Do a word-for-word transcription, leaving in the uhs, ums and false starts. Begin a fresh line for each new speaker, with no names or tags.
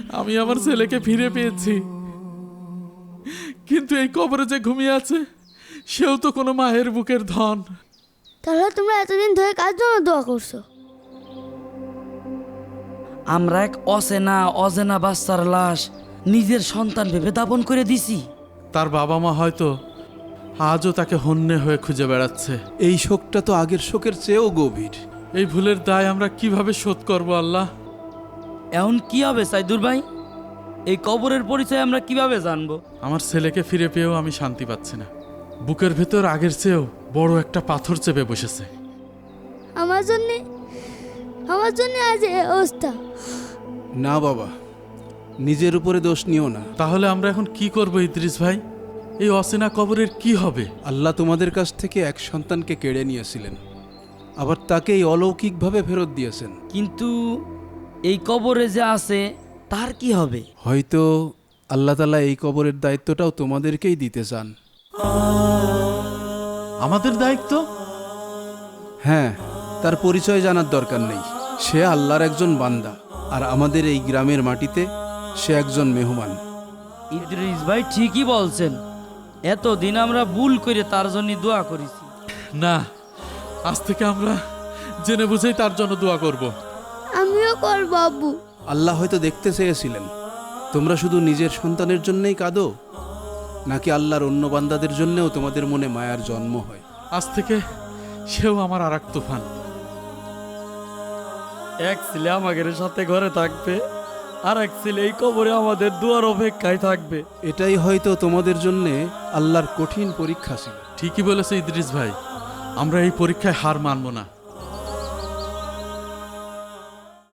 আমি আমার ছেলেকে ফিরে পেয়েছি, কিন্তু এই কবরে যে ঘুমিয়ে আছে সেও তো কোনো মায়ের বুকের ধন।
তাহলে তোমরা এতদিন ধরে কার জন্য দোয়া করছো?
আমরা এক অচেনা অজেনা বাচ্চার লাশ নিজের সন্তান ভেবে দাপন করে দিছি।
তার বাবা মা হয়তো আজও তাকে হন্যে হয়ে খুঁজে বেড়াচ্ছে।
এই শোকটা তো আগের শোকের চেয়েও গভীর।
এই ভুলের দায় আমরা কিভাবে শোধ করব আল্লাহ?
এখন কি হবে সাইদুর ভাই? এই কবরের পরিচয় আমরা কিভাবে জানবো?
আমার ছেলেকে ফিরে পেয়েও আমি শান্তি পাচ্ছি না। বুকের ভেতর আগের চেয়েও বড় একটা পাথর চেপে বসেছে।
আমার জন্যে আমার জন্যে আজ এই অবস্থা।
না বাবা, নিজের উপরে দোষ নিও না।
তাহলে আমরা এখন কি করব ইদ্রিস ভাই? এই অচেনা কবরের কি হবে?
আল্লাহ তোমাদের কাছ থেকে এক সন্তানকে কেড়ে নিয়েছিলেন, আবার তাকে এই অলৌকিকভাবে ফেরত দিয়েছেন।
কিন্তু এই কবরে যে আছে তার কি হবে?
হয়তো আল্লাহ তাআলা এই কবরের দায়িত্বটাও তোমাদেরকেই দিতে চান।
আমাদের দায়িত্ব?
হ্যাঁ, তার পরিচয় জানার দরকার নেই। সে আল্লাহর একজন বান্দা, আর আমাদের এই গ্রামের মাটিতে সে একজন মেহমান।
ইদ্রিস ভাই ঠিকই বলছেন। এতদিন আমরা ভুল করে তার জন্য দোয়া করেছি।
না, আজ থেকে আমরা জেনে বুঝেই তার জন্য দোয়া করব।
আমিও করবো আব্বু।
আল্লাহ হয়তো দেখতে চেয়েছিলেন তোমরা শুধু নিজের সন্তানের জন্যই কাঁদো, নাকি আল্লাহর অন্য বান্দাদের জন্যও তোমাদের মনে মায়ার জন্ম হয়।
আজ থেকে সেও আমার আর এক তুফান।
এক ছেলে আমাদের সাথে ঘরে থাকবে, আর এক ছেলে এই কবরে আমাদের দুয়ার অপেক্ষায় থাকবে।
এটাই হয়তো তোমাদের জন্যে আল্লাহর কঠিন পরীক্ষা ছিল।
ঠিকই বলেছে ইদ্রিস ভাই, আমরা এই পরীক্ষায় হার মানব না।